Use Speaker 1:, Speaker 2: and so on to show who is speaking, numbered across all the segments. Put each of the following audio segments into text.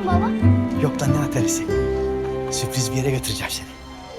Speaker 1: baba?
Speaker 2: Yok lan ne atarisi. Sürpriz bir yere götüreceğim seni.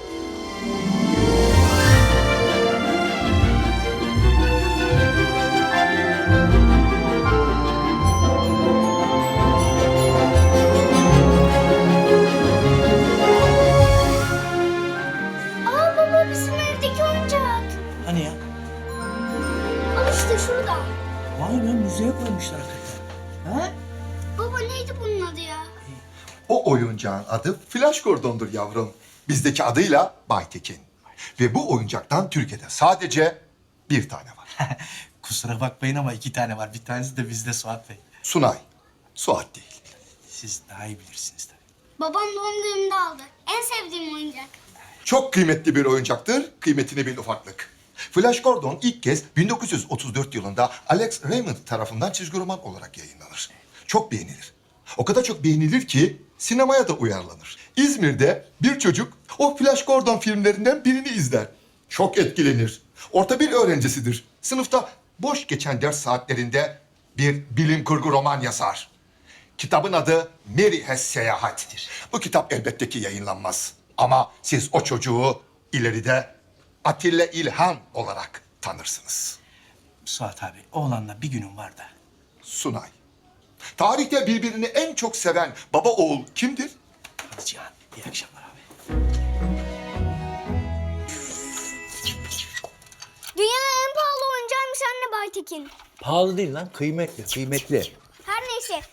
Speaker 1: Aa baba bizim evdeki oyuncak.
Speaker 2: Hani ya?
Speaker 1: Al işte şurada.
Speaker 2: Vay be müzeye koymuşlar hakikaten. Ha?
Speaker 1: Baba neydi bunun adı ya?
Speaker 3: O oyuncağın adı Flash Gordon'dur yavrum. Bizdeki adıyla Baytekin. Ve bu oyuncaktan Türkiye'de sadece bir tane var.
Speaker 2: Kusura bakmayın ama 2 tane var. Bir tanesi de bizde Suat Bey.
Speaker 3: Sunay. Suat değil.
Speaker 2: Siz daha iyi bilirsiniz tabii.
Speaker 1: Babam doğum günümde aldı. En sevdiğim oyuncak.
Speaker 3: Çok kıymetli bir oyuncaktır. Kıymetini bil ufaklık. Flash Gordon ilk kez 1934 yılında Alex Raymond tarafından çizgi roman olarak yayınlanır. Çok beğenilir. O kadar çok beğenilir ki sinemaya da uyarlanır. İzmir'de bir çocuk o Flash Gordon filmlerinden birini izler. Çok etkilenir. Orta bir öğrencisidir. Sınıfta boş geçen ders saatlerinde bir bilim kurgu roman yazar. Kitabın adı Mary Has Seyahat'tir. Bu kitap elbette ki yayınlanmaz. Ama siz o çocuğu ileride Atilla İlhan olarak tanırsınız.
Speaker 2: Suat abi oğlanla bir günüm var da.
Speaker 3: Sunay. Tarihte birbirini en çok seven baba oğul kimdir?
Speaker 2: Hadi Cihan iyi akşamlar abi.
Speaker 1: Dünyanın en pahalı oyuncağıymış anne Baytekin.
Speaker 4: Pahalı değil lan, kıymetli, kıymetli.
Speaker 1: Her neyse.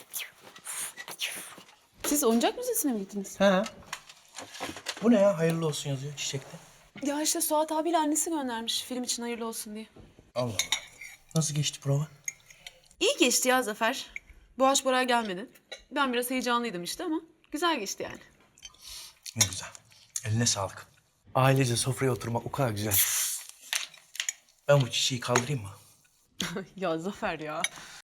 Speaker 5: Siz oyuncak müzesine mi gittiniz?
Speaker 2: Ha? Bu ne ya? Hayırlı olsun yazıyor çiçekte.
Speaker 5: Ya işte Suat abiyle annesi göndermiş film için hayırlı olsun diye.
Speaker 2: Allah Allah. Nasıl geçti prova?
Speaker 5: İyi geçti ya Zafer. Boğaç Bora gelmedi. Ben biraz heyecanlıydım işte ama güzel geçti yani.
Speaker 2: Ne güzel. Eline sağlık. Ailece sofraya oturmak o kadar güzel. Ben bu çiçeği kaldırayım mı?
Speaker 5: Ya Zafer ya.